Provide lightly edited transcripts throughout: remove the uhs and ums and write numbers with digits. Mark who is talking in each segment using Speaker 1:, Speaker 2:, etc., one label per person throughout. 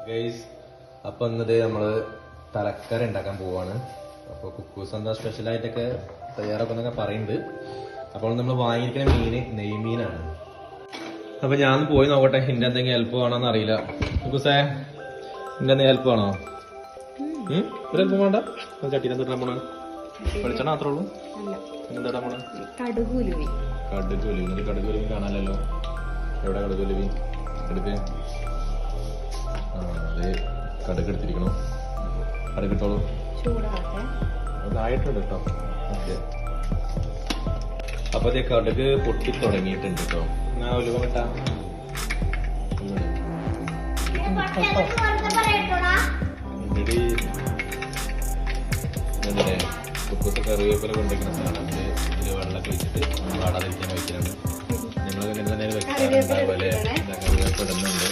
Speaker 1: Guys, അപ്പൊ ഇന്നത് നമ്മള് തലക്കറി ഉണ്ടാക്കാൻ പോവാണ്. അപ്പൊ കുക്കൂസ് എന്താ സ്പെഷ്യലായിട്ടൊക്കെ തയ്യാറാക്കുന്നൊക്കെ പറയുന്നുണ്ട്. അപ്പോൾ നമ്മൾ വാങ്ങിയിരിക്കുന്ന മീന് നെയ്മീനാണ്. അപ്പൊ ഞാൻ പോയി നോക്കട്ടെ, എന്റെ എന്തെങ്കിലും ഹെൽപ്പ് വേണോന്ന് അറിയില്ല. കുക്കൂസേ, എന്റെ എന്തെങ്കിലും ഹെൽപ്പ് വേണോ? ഒരു ഹെൽപ്പ് വേണ്ട. ചട്ടീനെ തൊട്ടാ പോണ വെളിച്ചെണ്ണ മാത്രമേ ഉള്ളൂ. എന്താ പോണ? കടുകുലുവി. കടുകുലുവി കാണാനല്ലോ. എവിടെ കടുകുലുവി? എടുക്ക്. അതെ, കടുക് എടുത്തിരിക്കണോ? കടുക് ഇട്ടോളൂ. അതായിട്ടുണ്ട് കേട്ടോ. ഓക്കെ, അപ്പൊ അതേ കടുക് പൊട്ടി തുടങ്ങിയിട്ടുണ്ട് കേട്ടോ. ഞാൻ ഉലുവ കിട്ടാ കുക്കത്ത് കറിവേപ്പില കൊണ്ടിരിക്കുന്ന സാധനം ഇതിൽ വെള്ളമൊക്കെ വെച്ചിട്ട് വാടാതിരിക്കാൻ വയ്ക്കാണ്. ഞങ്ങൾ തന്നെ വെക്കാറുണ്ടാവുമല്ലേ? കറിവേപ്പില ഇടുന്നുണ്ട്.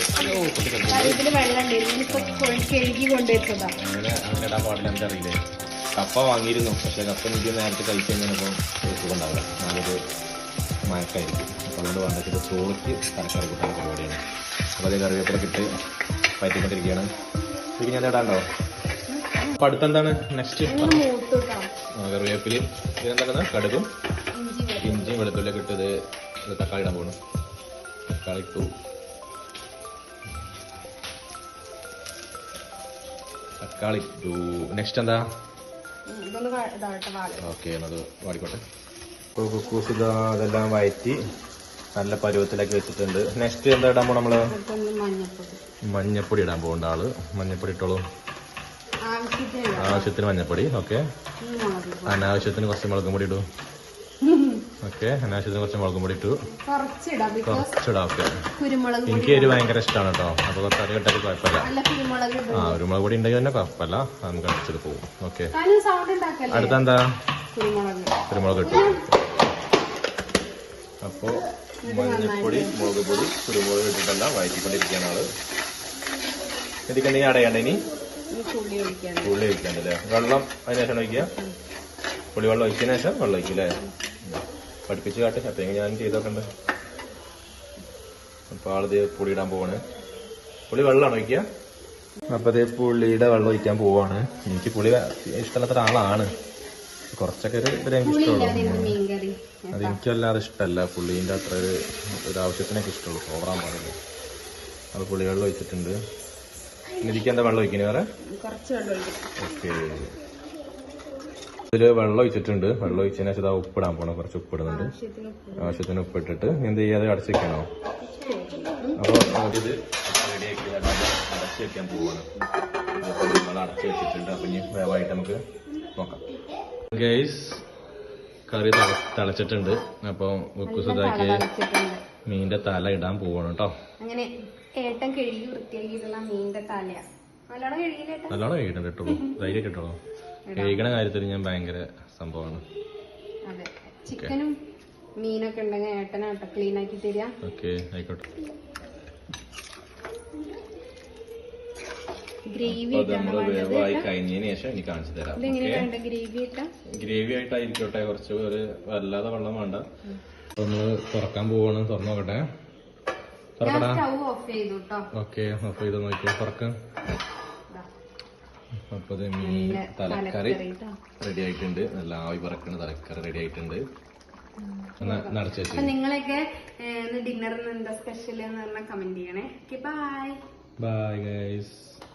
Speaker 1: അങ്ങനെ ഇടാൻ പാടില്ല, എനിക്കറിയില്ലേ. കപ്പ വാങ്ങിയിരുന്നു, പക്ഷെ കപ്പ എനിക്ക് നേരത്തെ കഴിച്ചു കഴിഞ്ഞപ്പോൾ സുഖം ഉണ്ടാവില്ല. നല്ലൊരു മയക്കായിരിക്കും. അപ്പോൾ അതുകൊണ്ട് വേണ്ടത് ചോറിക്ക് തലക്കറി കൂട്ടാൻ പരിപാടിയാണ്. അപ്പോൾ അതേ കറിവേപ്പിലൊക്കെ ഇട്ട് പറ്റിക്കൊണ്ടിരിക്കുകയാണ്. ശരിക്കും ഞാൻ ഇടാണ്ടോ? അപ്പൊ അടുത്തെന്താണ് നെക്സ്റ്റ്? കറിവേപ്പില് ഇതെന്താ? കടുകും ഇഞ്ചിയും വെളുത്തുള്ളിയൊക്കെ ഇട്ട് ഇത് തക്കാളി ഇടാൻ പോകണം. തക്കാളി ഇട്ടു. നെക്സ്റ്റ് എന്താ? ഓക്കെ, അത് വാടിക്കോട്ടെ. ഇപ്പോൾ കുക്കൂസ് അതെല്ലാം വയറ്റി നല്ല പരുവത്തിലാക്കി വെച്ചിട്ടുണ്ട്. നെക്സ്റ്റ് എന്താ ഇടാൻ പോകണം നമ്മള്? മഞ്ഞപ്പൊടി ഇടാൻ പോകണ്ട ആള്. മഞ്ഞപ്പൊടി ഇട്ടോളൂ. ആവശ്യത്തിന് മഞ്ഞപ്പൊടി. ഓക്കെ, അനാവശ്യത്തിന് കുറച്ച് മുളകും പൊടി ഇടൂ. ഓക്കെ, അനാവശ്യത്തിന് കുറച്ച് മുളകും പൊടി ഇട്ടു. കുറച്ചിടാം. ഓക്കെ, എനിക്ക് എരിവ് ഭയങ്കര ഇഷ്ടമാണ് കേട്ടോ. അപ്പൊ കുറച്ച് അധികം ഇട്ടാൽ കുഴപ്പമില്ല. കുരുമുളക് പൊടി ഉണ്ടെങ്കിൽ തന്നെ കുഴപ്പമില്ല, നമുക്ക് അടിച്ചത് പോകും. ഓക്കെ, അടുത്തെന്താ? കുരുമുളക് ഇട്ടു. അപ്പോ മഞ്ഞപ്പൊടി, മുളക് പൊടി, കുരുമുളക് ഇട്ടിട്ടെല്ലാം വഴറ്റിക്കൊണ്ടിരിക്കുകയാണ് ആള്. ഇതിക്കെന്തെങ്കിലും അടയാണ്ട് ഇനി പുളി ഒഴിക്കാണ്ടല്ലേ? വെള്ളം അതിന് ശേഷം ഒഴിക്കുക. പുളി വെള്ളം ഒഴിച്ചതിന് ശേഷം വെള്ളം ഒഴിക്കില്ലേ? പഠിപ്പിച്ച് കാട്ടെ. അപ്പൊ ഞാൻ ചെയ്തോക്കണ്ട്. അപ്പൊ ആളിത് പുളി ഇടാൻ പോവാണ്. പുളി വെള്ളമാണ് ഒഴിക്കുക. അപ്പൊ അതേ പുളിയുടെ വെള്ളം ഒഴിക്കാൻ പോവാണ്. എനിക്ക് പുളി ഇഷ്ടമല്ലാത്ത ഒരാളാണ്. കുറച്ചൊക്കെ ഒരു ഇഷ്ടമുള്ളൂ. അതെനിക്ക് വല്ലാതെ ഇഷ്ടമല്ല. പുളീൻ്റെ അത്ര ഒരു ആവശ്യത്തിനൊക്കെ ഇഷ്ടമുള്ളൂ, ഓവറാൻ പാടില്ല. അത് പുളി വെള്ളം ഒഴിച്ചിട്ടുണ്ട്. ഇതിക്ക് എന്താ വെള്ളം ഒഴിക്കുന്നത്? വേറെ ഓക്കെ, ഇതില് വെള്ളം ഒഴിച്ചിട്ടുണ്ട്. വെള്ളം ഒഴിച്ചതിന് ശേഷം ഇതാ ഉപ്പിടാൻ പോണം. കുറച്ച് ഉപ്പിടുന്നുണ്ട്. ആവശ്യത്തിന് ഉപ്പിട്ടിട്ട് എന്ത് ചെയ്യാതെ അടച്ചു വെക്കണോ? അപ്പോൾ ഇത് റെഡിയാക്കി അടച്ചു വെക്കാൻ പോവാണ്. നമ്മൾ അടച്ചു വെച്ചിട്ടുണ്ട്. അപ്പൊ ഇനി വേവായിട്ട് നമുക്ക് നോക്കാം. ഗൈസ്, കറി തിളച്ചിട്ടുണ്ട്. അപ്പൊ ഉക്കുസുതാക്കി മീനിന്റെ തല ഇടാൻ പോവാണ് കേട്ടോ.
Speaker 2: അങ്ങനെ ഏട്ടൻ കഴുകി വൃത്തിയാക്കിയിട്ടുള്ള മീനിന്റെ തലയാ.
Speaker 1: നല്ലോണം കഴിക്കണം കേട്ടോളൂ. ധൈര്യം കേട്ടോളൂ. കഴിക്കണ കാര്യത്തിൽ ഞാൻ ഭയങ്കര സംഭവമാണ്.
Speaker 2: അതെ, ചിക്കനും മീനൊക്കെ ഉണ്ടെങ്കിൽ ഏട്ടനാട്ടോ ക്ലീൻ ആക്കി തരാം.
Speaker 1: ഓക്കെ, ആയിക്കോട്ടെ.
Speaker 2: ഗ്രേവി
Speaker 1: വേവായി കഴിഞ്ഞതിന് ശേഷം എനിക്ക് കാണിച്ചു തരാം. ഗ്രേവി ആയിട്ടായിരിക്കട്ടെ. കുറച്ച് ഒരു വല്ലാതെ വെള്ളം വേണ്ട. നമ്മള് തുറക്കാൻ പോവാണ്. തുറന്നു നോക്കട്ടെ. ഓക്കെ, ഓഫ് ചെയ്ത് നോക്കിയോ. തുറക്കാം. അപ്പൊ മീൻ തലക്കറി റെഡി ആയിട്ടുണ്ട്. നല്ല ആവി പറക്കണ തലക്കറി റെഡി ആയിട്ടുണ്ട്.
Speaker 2: നിങ്ങളൊക്കെ ഡിന്നറിന് എന്താ സ്പെഷ്യൽ എന്ന് പറഞ്ഞാൽ കമന്റ് ചെയ്യണേ. Bye
Speaker 1: bye guys.